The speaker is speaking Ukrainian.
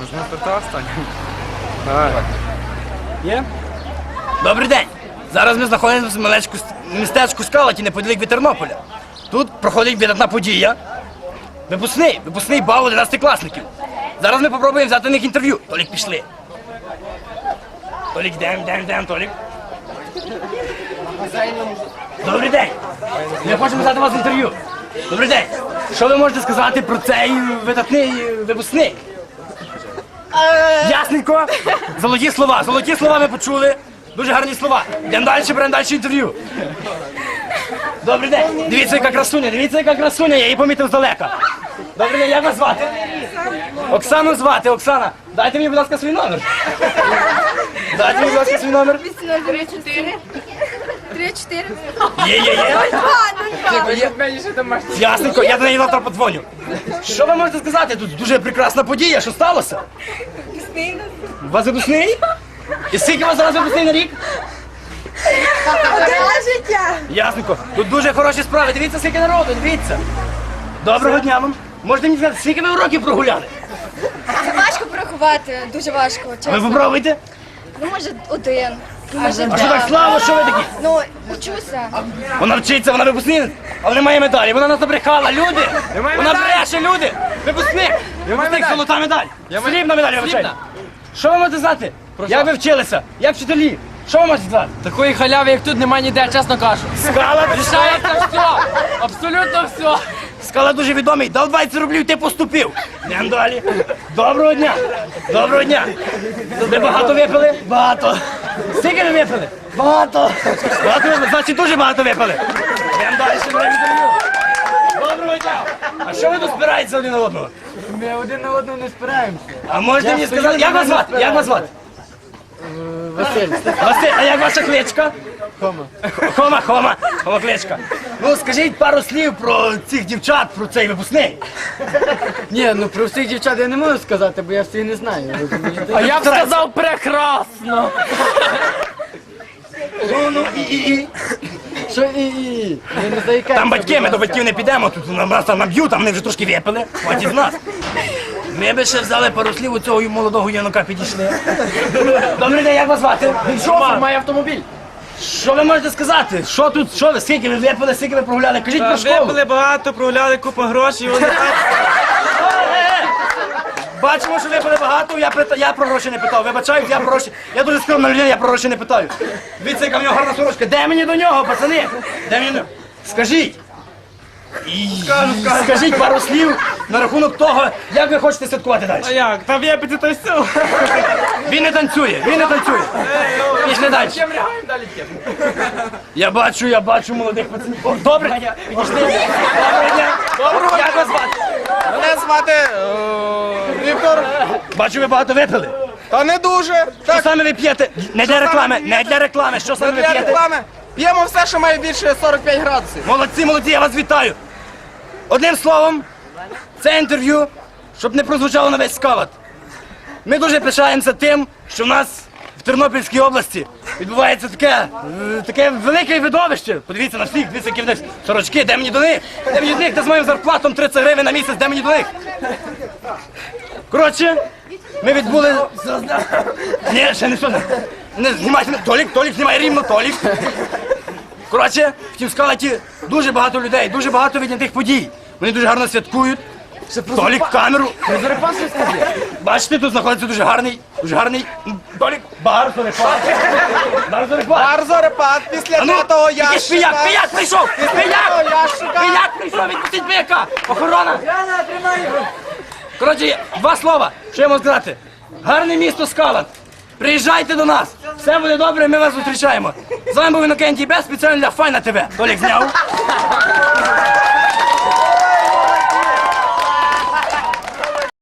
Можна старта останній? Є? Добрий день! Зараз ми знаходимося в містечку Скалаті, неподалік від Тернополя. Тут проходить видатна подія. Випускний бал 11-класників. Зараз ми попробуємо взяти у них інтерв'ю. Толік, пішли. Толік, йдем, Толік. Добрий день! Ми хочемо взяти у вас інтерв'ю. Добрий день! Що ви можете сказати про цей видатний випускний? Ясненько. Золоті слова ми почули. Дуже гарні слова. Йдемо далі, беремо далі інтерв'ю. Добрий день. Дивіться, яка красуня, я її помітив здалека. Добрий день, як вас звати? Оксану звати, Оксана. Дайте мені, будь ласка, свій номер. Дайте мені, будь ласка, свій номер. 3-4. Є. Ясненько, я до неї завтра подзвоню. Що ви можете сказати? Тут дуже прекрасна подія, що сталося? У вас випускний? І скільки у вас зараз випускний на рік? Життя. Ясненько. Тут дуже хороші справи. Дивіться, скільки народу, дивіться. Доброго дня вам. Можете мені сказати, скільки ви уроків прогуляли? Важко порахувати, дуже важко, Ви чесно. попробуйте. Ну, може, один. Може, А що так слава, що ви такі? Ну, учуся. Вона вчиться, вона випускник, але немає медалі. Вона нас набрехала, люди. Вона бреше, люди. Випускник. Випускник, золота медаль. Срібна медаль, я вибачаю. Що ви можете знати? Як ви вчилися? Як вчителі? Що ви можете знати? Такої халяви, як тут, нема ніде, чесно кажу. Скала, Рішається все, абсолютно все. Скала дуже відомий, дав 20 рублів, ти поступив. Йдемо далі. Доброго дня. Доброго дня. Ви багато випили? Багато. Скільки ви випили? Багато. Багато випили, значить дуже багато випили. Йдемо далі, ще беремо інтерв'ю. Доброго дня. А що ви тут спираєтеся один на одного? Ми один на одного не спираємося. А можете мені сказати, як вас звати? Як вас звати? Василь. Василь, а як ваша кличка? Хома кличка. Ну, скажіть пару слів про цих дівчат, про цей випускний. Ні, ну про всіх дівчат я не можу сказати, бо я всіх не знаю. А я б сказав прекрасно. Ну, і. Що і. Ви не заїкаєте. Там батьки, ми до батьків не підемо, тут нас там наб'ють, там вони вже трошки випили, хватить з нас. Ми би ще взяли пару слів у цього молодого юнака підійшли. Добрий день, як вас звати? Він шофер, має автомобіль. Що ви можете сказати? Що тут, що ви, скільки ви випили, скільки ви прогуляли? Кажіть про школу. Випили багато, прогуляли купу грошей, вони так. Бачимо, що випили багато, я про гроші не питав. Вибачаю, я про гроші. Я дуже скромна людина, я про гроші не питаю. Дивіться, яка в нього гарна сорочка. Де мені до нього, пацани? Де мені до нього? Скажіть. Скажіть пару слів на рахунок того, як ви хочете святкувати далі. А як? Та випити то все. Він не танцює. Пішли далі. Я бачу молодих пацанів. О, добре, підійшли. Доброго дня. Доброго, як вас звати? Мене звати Віктор. Бачу, ви багато випили. Та не дуже. Що Так, саме ви п'єте? Не для реклами, що саме ви для п'єте? реклами. П'ємо все, що має більше 45 градусів. Молодці, я вас вітаю. Одним словом, це інтерв'ю, щоб не прозвучало на весь Скалат. Ми дуже пишаємося тим, що в нас в Тернопільській області відбувається таке велике видовище. Подивіться на всіх, дивіться, які в них сорочки, де мені до них? Де мені до них? Де з моїм зарплатом 30 гривень на місяць, де мені до них? Коротше, ми відбули... Ні, ще не все. Не знімайте мене. Толік, знімай рівно, Толік. Коротше, в тім Скалаті дуже багато людей, дуже багато віднятих подій. Вони дуже гарно святкують. Толік, камеру. Бачите, тут знаходиться дуже гарний, Толік, бар Зорепад. Бар Зорепад після того ящика. Пияк прийшов! Пияк прийшов, відпустіть пияка! Охорона! Коротше, два слова, що я можу сказати. Гарне місто Скалат. Приїжджайте до нас. Все буде добре, ми вас зустрічаємо. З вами був Інокентій Бес, спеціально для Файна ТВ. Толік зняв.